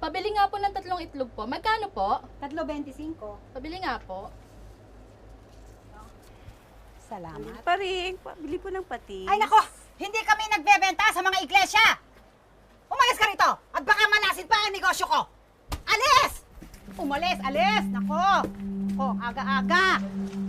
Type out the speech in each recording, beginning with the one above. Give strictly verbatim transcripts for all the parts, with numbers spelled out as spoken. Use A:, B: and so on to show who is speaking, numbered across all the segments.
A: Pabili nga po ng tatlong itlog po. Magkano po?
B: Tatlo bentisinko.
A: Pabili nga po.
B: Salamat.
C: Paring, pabili po ng patis.
B: Ay nako, hindi kami nagbebenta sa mga iglesia. Umalis ka rito at baka malasin pa ang negosyo ko. Alis! Umalis, alis! Nako! Oh, aga-aga.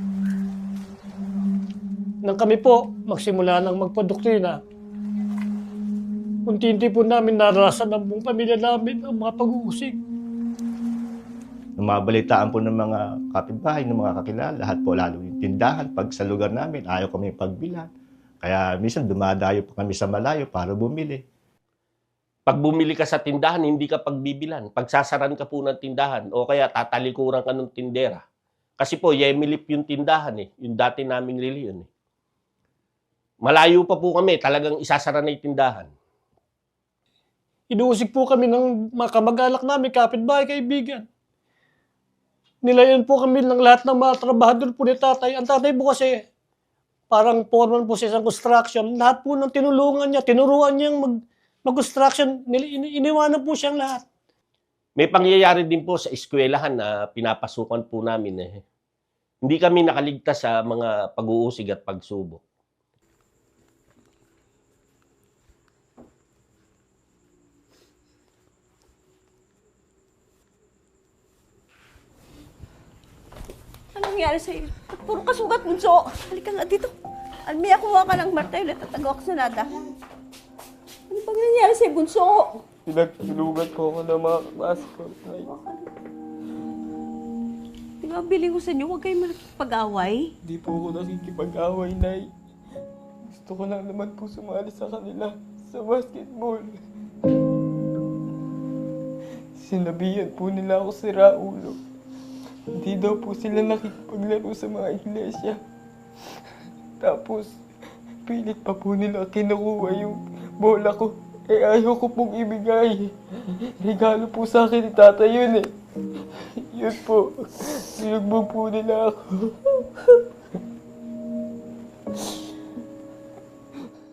D: Nang kami po magsimula ng magpadoktrina, unti-unti po namin naranasan ng buong pamilya namin ang mga pag-uusig.
E: Nung mabalitaan po ng mga kapitbahay, ng mga kakilala, lahat po lalo yung tindahan. Pag sa lugar namin, ayaw kami pagbilan. Kaya minsan dumadayo po kami sa malayo para bumili.
F: Pag bumili ka sa tindahan, hindi ka pagbibilan. Pagsasaran ka po ng tindahan o kaya tatalikuran ka ng tindera. Kasi po, yemilip yung tindahan eh. Yung dati naming reliyon eh. Malayo pa po kami, talagang isasara na yung tindahan.
D: Inuusig po kami ng mga kamag-anak namin, kapitbahay, kaibigan. Nilayan po kami ng lahat ng mga trabahador po ni tatay. Ang tatay po kasi, parang foreman po sa isang construction. Lahat po ng tinulungan niya, tinuruan niyang mag, mag-construction. Ini- iniwanan po siyang lahat.
F: May pangyayari din po sa eskwelahan na pinapasukan po namin eh. Hindi kami nakaligtas sa mga pag-uusig at pagsubok.
C: Anong nangyari sa'yo? Ba't puro kasugat, bunso? Halika nga dito. Almia, kuha ka ng martilyo at tatagaw ka sa nada. Ano bang nangyari sa'yo, bunso?
G: Pinagtulugan po ako ng mga kaklase ko. Ay,
C: Di ba, biling ko sa inyo, huwag kayong makikipag-away.
G: di po ako nakikipag-away, Nay. Gusto ko lang naman po sumali sa kanila sa basketball. Sinabihan po nila ako si Raulo. Hindi daw po sila nakikipaglaro sa mga iglesia. Tapos, pilit pa po nila kinukuha yung bola ko. Eh, ayaw ko pong ibigay. Regalo po sa akin ni Tata yun eh. Yun po, sinugbog po nila ako.